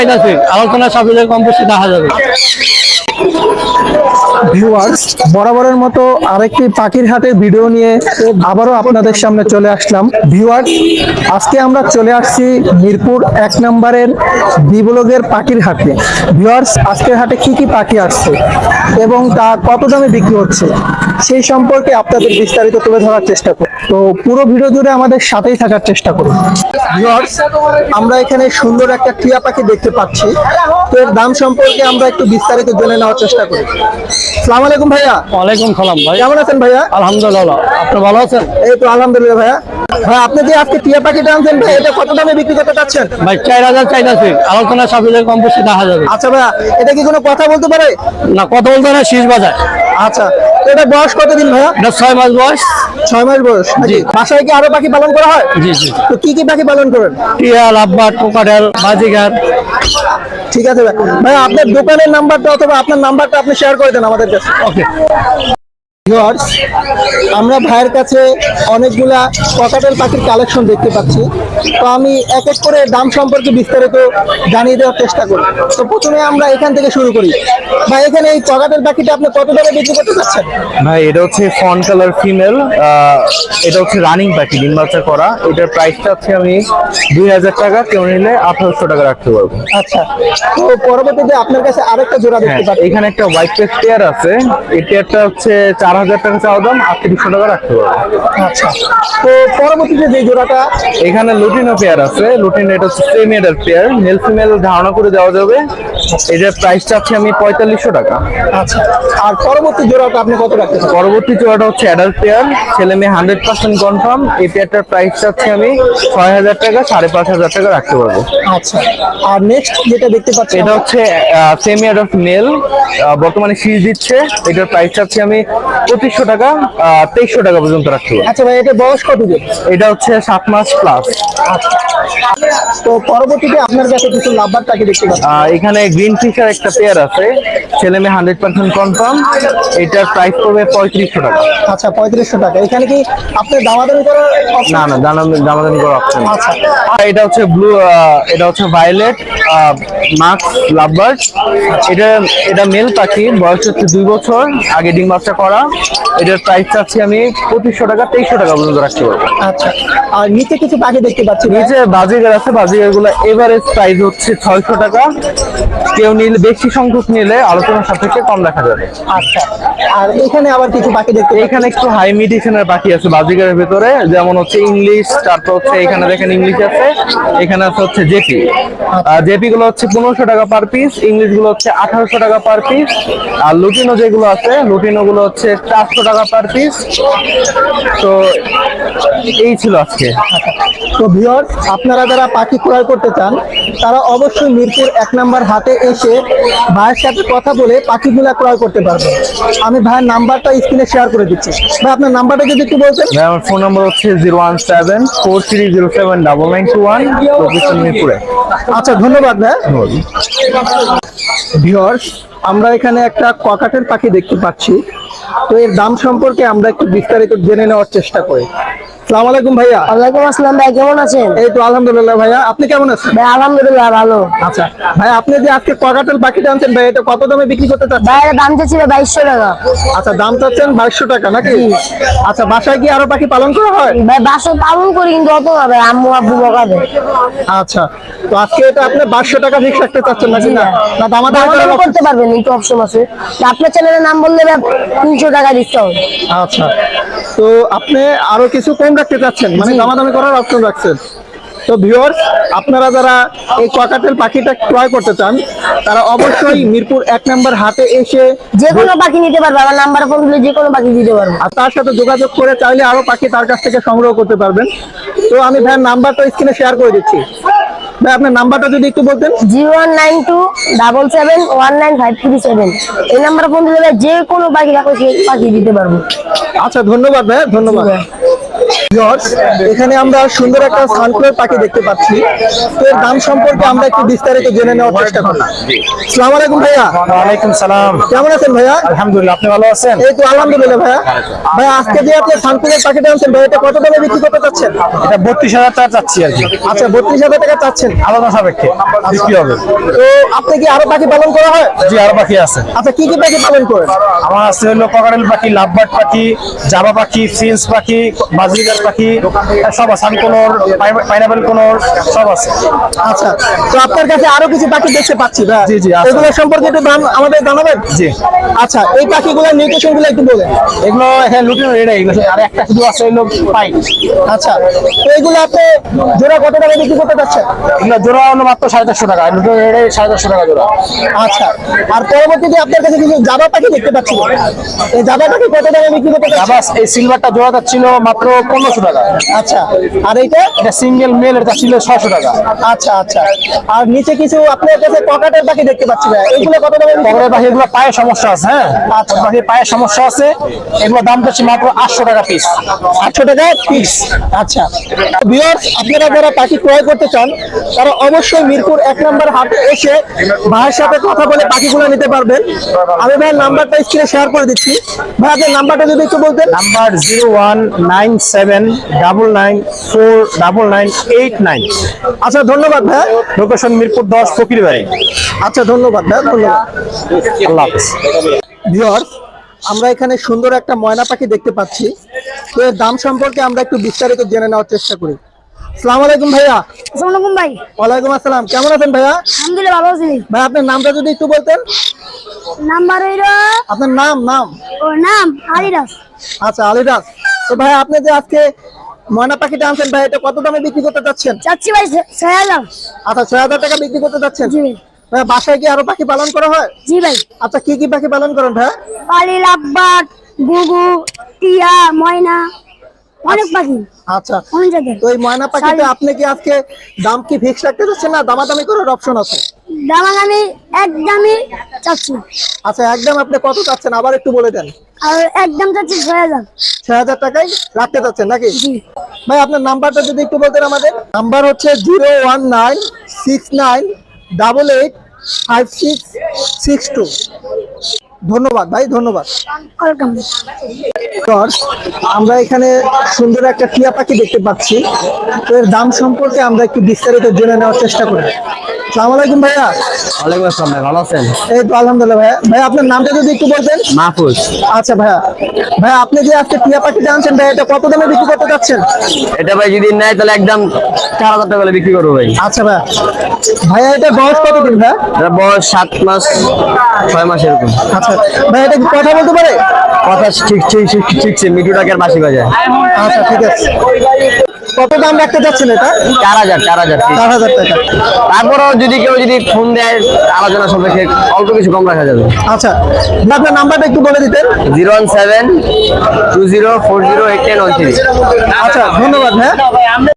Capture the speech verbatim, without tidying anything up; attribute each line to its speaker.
Speaker 1: আলোচনা সাপেক্ষে কম বেশি দেখা যাবে।
Speaker 2: ভিউয়ার্স, বরাবরের মতো আরেকটি পাখির হাটের ভিডিও নিয়ে আবারও আপনাদের সামনে চলে আসলাম। ভিউয়ার্স, আজকে আমরা চলে আসছি মিরপুর এক নম্বরের বিবলগের পাখির হাটে। ভিউয়ার্স, আজকের হাটে কি কি পাখি আসছে এবং তা কত দামে বিক্রি হচ্ছে সেই সম্পর্কে আপনাদের বিস্তারিত তুলে ধরার চেষ্টা করব। তো পুরো ভিডিও জুড়ে আমাদের সাথেই থাকার চেষ্টা করুন। ভিউয়ার্স, আমরা এখানে সুন্দর একটা টিয়া পাখি দেখতে পাচ্ছি। তো এর দাম সম্পর্কে আমরা একটু বিস্তারিত জেনে নেওয়ার চেষ্টা করি। আসসালামু আলাইকুম ভাইয়া।
Speaker 1: ওয়ালাইকুম সালাম ভাই,
Speaker 2: কেমন আছেন ভাইয়া?
Speaker 1: আলহামদুলিল্লাহ, আপনি ভালো আছেন?
Speaker 2: এই তো আলহামদুলিল্লাহ ভাইয়া। ভাই, আপনি যে আজকে টিয়া পাখিটা আনছেন ভাই, এটা কত দামে বিক্রি করতে চাচ্ছেন?
Speaker 1: ভাই চার হাজার চাইতেছি, আলোচনা সাপেক্ষে কম বেশি দেখা যাবে।
Speaker 2: আচ্ছা ভাইয়া, এটা কি কোনো কথা বলতে পারে?
Speaker 1: না, কথা বলতে না, শীষ বাজায়।
Speaker 2: আচ্ছা, তো এটা বয়স কতদিন ভাইয়া?
Speaker 1: এটা ছয় মাস বয়স।
Speaker 2: ছয় মাস বয়স।
Speaker 1: জি।
Speaker 2: বাসায় কি আরো পাখি পালন করা হয়?
Speaker 1: জি জি।
Speaker 2: তো কি কি পাখি পালন করেন?
Speaker 1: টিয়া, লাভবার্ড, কোকাটেল, বাজিগার।
Speaker 2: ঠিক আছে ভাই, ভাই আপনার দোকানের নাম্বারটা অথবা আপনার নাম্বারটা আপনি শেয়ার করে দেন আমাদের কাছে।
Speaker 1: ওকে।
Speaker 2: ভিউয়ার্স, আমরা ভাইয়ের কাছে অনেকগুলা ককাটেল পাখির কালেকশন দেখতে পাচ্ছি। তো আমি এক এক করে দাম সম্পর্কে বিস্তারিত জানিয়ে দেওয়ার চেষ্টা করি। তো প্রথমে আমরা এখান থেকে শুরু করি। ভাই, এখানে এই ককাটেল পাখিটা আপনি কত দামে বিক্রি করতে চাচ্ছেন?
Speaker 3: ভাই, এটা হচ্ছে ফন কালার ফিমেল। এটা হচ্ছে রানিং পাখি, ডিম বাচ্চা করা। এটার প্রাইসটা হচ্ছে আমি দুই হাজার টাকা, কেউ নিলে আঠারোশো টাকা রাখতে পারবো।
Speaker 2: আচ্ছা, তো পরবর্তীতে আপনার কাছে আরেকটা জোড়া দেখতে
Speaker 3: হ্যাঁ,
Speaker 2: পাচ্ছি।
Speaker 3: এখানে একটা হোয়াইট পেস টেয়ার আছে। এই টেয়ারটা হচ্ছে চার হাজার টাকা চাওয়া দাম, আটত্রিশশো টাকা রাখতে পারবো।
Speaker 2: আচ্ছা, তো পরবর্তীতে যে জোড়াটা
Speaker 3: এখানে লুটিনো পেয়ার আছে। লুটিনো এটা হচ্ছে semi adult pair, male female ধারণা করে দেওয়া যাবে। এটার প্রাইসটা হচ্ছে আমি পঁয়তাল্লিশশো টাকা।
Speaker 2: আচ্ছা, আর পরবর্তী জোড়াটা আপনি কত রাখতে চান?
Speaker 3: পরবর্তী জোড়াটা হচ্ছে অ্যাডাল্ট পেয়ার, ছেলে মেয়ে হান্ড্রেড পার্সেন্ট কনফার্ম। এই পেয়ারটার প্রাইসটা হচ্ছে আমি ছয় হাজার টাকা, সাড়ে পাঁচ হাজার টাকা রাখতে পারবো।
Speaker 2: আচ্ছা, আর নেক্সট যেটা দেখতে পাচ্ছি
Speaker 3: এটা হচ্ছে সেমি অ্যাডাল্ট মেল, বর্তমানে শীষ দিচ্ছে। এটার প্রাইসটা হচ্ছে আমি পঁচিশশো টাকা, তেইশশো টাকা পর্যন্ত রাখতে পারবো।
Speaker 2: আচ্ছা ভাই, এটা বয়স কত দিন?
Speaker 3: এটা হচ্ছে সাত মাস প্লাস।
Speaker 2: তো পরবর্তীতে আপনার কাছে কিছু লাভবার পাখি দেখতে পাচ্ছি।
Speaker 3: এখানে গ্রিন ফিশার একটা পেয়ার আছে, ছেলে মেয়ে হান্ড্রেড পার্সেন্ট কনফার্ম। এটার প্রাইস পড়বে পঁয়ত্রিশশো টাকা।
Speaker 2: আচ্ছা, পঁয়ত্রিশশো টাকা। এখানে কি আপনি দামাদামি করার option?
Speaker 3: না না, দাম- দামাদামি করা অপশন।
Speaker 2: আচ্ছা।
Speaker 3: এটা হচ্ছে ব্লু, এটা হচ্ছে ভায়োলেট মাক্স লাভবার্ড। এটা এটা মেল পাখি, বয়স হচ্ছে দুই বছর, আগে ডিম বাচ্চা করা। এটার প্রাইস চাচ্ছি আমি পঁচিশশো টাকা, তেইশশো টাকা পর্যন্ত রাখতে পারবো।
Speaker 2: আচ্ছা, আর নিচে কিছু পাখি দেখতে পাচ্ছি।
Speaker 3: নিচে বাজিগার আছে, বাজিগার গুলো এভারেজ প্রাইস হচ্ছে ছয়শো টাকা। কেউ নিলে, বেশি সংখ্যক নিলে আলোচনার সাপেক্ষে কম রাখা যাবে।
Speaker 2: আচ্ছা, আর এখানে আবার কিছু পাখি দেখতে পাচ্ছি।
Speaker 3: এখানে একটু হাই মিডিশনের পাখি আছে বাজিগারের ভেতরে, যেমন হচ্ছে ইংলিশ, তারপর হচ্ছে এখানে দেখেন ইংলিশ আছে, এখানে আছে হচ্ছে জেপি। জেপি গুলো হচ্ছে পনেরোশো টাকা পার পিস, ইংলিশ গুলো হচ্ছে আঠারোশো টাকা পার পিস, আর লুটিনো যেগুলো আছে লুটিনো গুলো হচ্ছে চারশো টাকা পার পিস। তো এই ছিল আজকে।
Speaker 2: তো ভিউয়ার্স, আপনারা যারা পাখি ক্রয় করতে চান তারা অবশ্যই মিরপুর এক নাম্বার হাটে এসে ভাইয়ের সাথে কথা বলে পাখিগুলা ক্রয় করতে পারবেন। আমি ভাইয়ের নাম্বারটা স্ক্রিনে শেয়ার করে দিচ্ছি। ভাই, আপনার নাম্বারটা যদি একটু বলতেন।
Speaker 3: ভাই, আমার ফোন নাম্বার হচ্ছে zero one seven four three zero seven double nine two one, location মিরপুরে।
Speaker 2: আচ্ছা, ধন্যবাদ ভাই। ভিউয়ার্স, আমরা এখানে একটা ককাটেল পাখি দেখতে পাচ্ছি। তো এর দাম সম্পর্কে আমরা একটু বিস্তারিত জেনে নেওয়ার চেষ্টা করি। আসসালামু আলাইকুম ভাইয়া।
Speaker 4: ওয়ালাইকুম আসসালাম ভাই, কেমন আছেন?
Speaker 2: এই তো আলহামদুলিল্লাহ ভাইয়া, আপনি কেমন আছেন?
Speaker 4: ভাই আলহামদুলিল্লাহ ভালো।
Speaker 2: আচ্ছা ভাই, আপনি যে আজকে ককাটেল পাখিটা আনছেন ভাই, এটা কত দামে বিক্রি করতে চাচ্ছেন?
Speaker 4: ভাই এর দাম চাচ্ছি বাইশশো টাকা।
Speaker 2: আচ্ছা, দাম চাচ্ছেন বাইশশো টাকা নাকি? আচ্ছা, বাসায় কি আরো পাখি পালন করা হয়?
Speaker 4: ভাই বাসা পালন করি কিন্তু অত না ভাই, আম্মু আব্বু বকাবে।
Speaker 2: আচ্ছা, তো আজকে এটা আপনি বাইশশো টাকা ফিক্স রাখতে চাচ্ছেন নাকি? না না, দামাদামি করার
Speaker 4: দামাদামি
Speaker 2: option-
Speaker 4: করতে পারবেন, একটু অপশন আছে। আপনার চ্যানেলের নাম বললে ভাই তিনশো টাকা ডিসকাউন্ট।
Speaker 2: আচ্ছা, তো আপনি আরো কিছু কম রাখতে চাচ্ছেন, মানে
Speaker 4: জি।
Speaker 2: দামাদামি করার অপশন রাখছেন। তো ভিউয়ার্স, আপনারা যারা এই ককাটেল পাখিটা ক্রয় করতে চান তারা অবশ্যই মিরপুর এক নম্বর হাটে এসে
Speaker 4: যে কোনো পাখি নিতে পারবে, আমার নাম্বার ফোন দিলে যে কোনো পাখি দিতে পারবো।
Speaker 2: আর তার সাথে যোগাযোগ করে চাইলে আরো পাখি তার কাছ থেকে সংগ্রহ করতে পারবেন। তো আমি ভাইয়ের নাম্বারটা স্ক্রিনে শেয়ার করে দিচ্ছি। ভাই, আপনার নাম্বারটা যদি একটু বলতেন।
Speaker 4: Zero one nine two double seven one nine five three seven. এই নাম্বার ফোন দিলে ভাই যে কোনো পাখি রাখো সেই পাখি দিতে পারবো।
Speaker 2: আচ্ছা, ধন্যবাদ ভাই, ধন্যবাদ। ভিউয়ার্স, এখানে আমরা সুন্দর একটা সানফ্লাওয়ার পাখি দেখতে পাচ্ছি। তো এর দাম সম্পর্কে আমরা একটু বিস্তারিত জেনে নেওয়ার চেষ্টা করি। আসসালামু আলাইকুম ভাইয়া।
Speaker 5: ওয়ালাইকুম সালাম।
Speaker 2: কেমন আছেন ভাইয়া?
Speaker 5: আলহামদুলিল্লাহ, আপনি ভালো আছেন?
Speaker 2: এই তো আলহামদুলিল্লাহ ভাইয়া। ভাইয়া আজকে যে আপনি সানফ্লাওয়ার পাখিটা আনছেন ভাই, এটা কত দামে বিক্রি করতে চাচ্ছেন?
Speaker 5: এটা বত্রিশ হাজার টাকা চাচ্ছি আর কি,
Speaker 2: আচ্ছা, বত্রিশ হাজার টাকা চাচ্ছেন।
Speaker 5: আলাদা সাপেক্ষে বিক্রি হবে।
Speaker 2: তো আপনি কি আরো পাখি পালন করা হয়?
Speaker 5: জি, আরো পাখি আছে।
Speaker 2: আচ্ছা, কি কি পাখি পালন করেন?
Speaker 5: আমার আছে হলো ককারেল পাখি, লাভবার্ড পাখি, জাবা পাখি, ফিন্স পাখি, বাজরিগার পাখি, সব আছে। সানকোনর, পাইনাপেল কোনর সব আছে।
Speaker 2: আচ্ছা, তো আপনার কাছে আরো কিছু পাখি দেখতে পাচ্ছি ভাই।
Speaker 5: জি, জি, আছে।
Speaker 2: এগুলো সম্পর্কে একটু দাম আমাদের জানাবেন?
Speaker 5: জি।
Speaker 2: আচ্ছা, এই পাখিগুলোর নিউট্রিশন গুলো একটু বলেন।
Speaker 5: এগুলো হ্যাঁ লুটিনো রেডা, এগুলো আর একটা শুধু আছে হলো পাইট।
Speaker 2: আচ্ছা, তো এগুলো আপনি জোড়া কত টাকা বিক্রি করতে চাচ্ছেন?
Speaker 5: এগুলো জোড়া হলো মাত্র সাড়ে চারশো টাকা, লুটিনো রেডা সাড়ে চারশো টাকা জোড়া।
Speaker 2: আচ্ছা, আর পরবর্তীতে আপনার কাছে কিছু জাবা পাখি দেখতে পাচ্ছি। এই জাবা পাখি কত টাকা বিক্রি করতে চাচ্ছেন?
Speaker 5: আবার এই সিলভারটা জোড়া যাচ্ছিল মাত্র পনেরোশো টাকা।
Speaker 2: আচ্ছা, আর এইটা?
Speaker 5: এটা সিঙ্গেল মেল, এটা ছিল ছশো টাকা।
Speaker 2: আচ্ছা আচ্ছা, আর নিচে কিছু আপনার কাছে ককাটের পাখি দেখতে পাচ্ছি ভাই, এইগুলো কত টাকা বিক্রি
Speaker 5: কবরের পাখি এগুলো পায়ের সমস্যা আছে, হ্যাঁ
Speaker 2: আচ্ছা।
Speaker 5: পাখির পায়ের সমস্যা আছে, এগুলো দাম যাচ্ছে মাত্র আটশো টাকা পিস।
Speaker 2: আটশো টাকা পিস? আচ্ছা, ভিউয়ার্স, আপনারা যারা পাখি ক্রয় করতে চান তারা অবশ্যই মিরপুর এক নম্বর হাটে এসে ভাইয়ের সাথে কথা বলে পাখিগুলো নিতে পারবেন। আমি ভাইয়ের নাম্বারটা স্ক্রিনে শেয়ার করে দিচ্ছি। ভাই আপনার নাম্বারটা যদি একটু বলতেন।
Speaker 5: Number zero one nine seven double nine four double nine eight nine.
Speaker 2: আচ্ছা, ধন্যবাদ ভাই।
Speaker 5: লোকেশন মিরপুর দশ, ফকির বাড়ি।
Speaker 2: আচ্ছা, ধন্যবাদ ভাই, ধন্যবাদ।
Speaker 5: আল্লাহ হাফেজ।
Speaker 2: ভিউয়ার্স, আমরা এখানে সুন্দর একটা ময়না পাখি দেখতে পাচ্ছি। তো এর দাম সম্পর্কে আমরা একটু বিস্তারিত জেনে নেওয়ার চেষ্টা করি। আসসালামু আলাইকুম ভাইয়া।
Speaker 4: আসসালামু আলাইকুম ভাই।
Speaker 2: ওয়ালাইকুম আসসালাম, কেমন আছেন ভাইয়া?
Speaker 4: আলহামদুলিল্লাহ, ভালো আছি।
Speaker 2: ভাই আপনার নামটা যদি একটু বলতেন।
Speaker 4: নাম্বার হইলো,
Speaker 2: আপনার নাম নাম
Speaker 4: ও নাম আলিরাজ।
Speaker 2: আচ্ছা, আলিদাস। তো ভাই আপনি যে আজকে ময়না পাখিটা আনছেন ভাই, এটা কত দামে বিক্রি করতে চাচ্ছেন?
Speaker 4: চাচ্ছি ভাই ছয় হাজার।
Speaker 2: আচ্ছা, ছয় হাজার টাকা বিক্রি করতে চাচ্ছেন।
Speaker 4: জি
Speaker 2: ভাই বাসায় কি আরো পাখি পালন করা হয়?
Speaker 4: জি ভাই।
Speaker 2: আচ্ছা, কি কি পাখি পালন করেন ভাই?
Speaker 4: পালি, লাভবার্ড, গুগু, টিয়া, ময়না, অনেক পাখি,
Speaker 2: আচ্ছা,
Speaker 4: অনেক জাতের।
Speaker 2: তো এই ময়না পাখিটা আপনি কি আজকে দাম কি ফিক্স রাখতে চাচ্ছেন না দামাদামি করার অপশন আছে?
Speaker 4: দাম আমি একদমই চাচ্ছি।
Speaker 2: আচ্ছা, একদম আপনি কত চাচ্ছেন আবার একটু বলে দেন।
Speaker 4: আর একদম চাচ্ছি ছয় হাজার।
Speaker 2: ছয় হাজার টাকায় রাখতে চাচ্ছেন নাকি?
Speaker 4: জি
Speaker 2: ভাই আপনার নাম্বারটা যদি একটু বলতেন আমাদের। নাম্বার হচ্ছে zero one nine six nine double eight five six six two. ধন্যবাদ ভাই, ধন্যবাদ।
Speaker 4: ওয়েলকাম।
Speaker 2: ভিউয়ার্স, আমরা এখানে সুন্দর একটা টিয়া পাখি দেখতে পাচ্ছি। তো এর দাম সম্পর্কে আমরা একটু বিস্তারিত জেনে নেওয়ার চেষ্টা করি। আসসালামু আলাইকুম ভাইয়া।
Speaker 1: ওয়ালাইকুম আসসালাম ভাই, ভালো আছেন?
Speaker 2: এই তো আলহামদুলিল্লাহ ভাইয়া। ভাই আপনার নামটা যদি একটু বলতেন।
Speaker 1: মাহফুজ।
Speaker 2: আচ্ছা ভাইয়া, ভাই আপনি যে আজকে টিয়া পাখিটা আনছেন ভাই, এটা কত দামে বিক্রি করতে চাচ্ছেন?
Speaker 1: এটা ভাই যদি নেয় তাহলে একদম চার হাজার টাকা করে বিক্রি করবো ভাই।
Speaker 2: আচ্ছা ভাইয়া, ভাইয়া এটা বয়স কতদিন ভাইয়া?
Speaker 1: এটা বয়স সাত মাস ছয় মাস এরকম।
Speaker 2: আচ্ছা ভাই, এটা কি কথা বলতে পারে?
Speaker 1: কথা ঠিক ঠিক ঠিক ঠিকছে, মিঠু টাকার বাসি বাজায়।
Speaker 2: আচ্ছা, ঠিক আছে। কত দাম রাখতে চাচ্ছেন এটা?
Speaker 1: চার হাজার চার হাজার
Speaker 2: চার হাজার টাকা।
Speaker 1: তারপরেও যদি কেউ যদি ফোন দেয় আলোচনা সাপেক্ষে অল্প কিছু কম রাখা যাবে।
Speaker 2: আচ্ছা, আপনার নাম্বারটা একটু বলে দিতেন।
Speaker 1: Zero one seven two zero four zero eight ten one three.
Speaker 2: আচ্ছা, ধন্যবাদ ভাইয়া।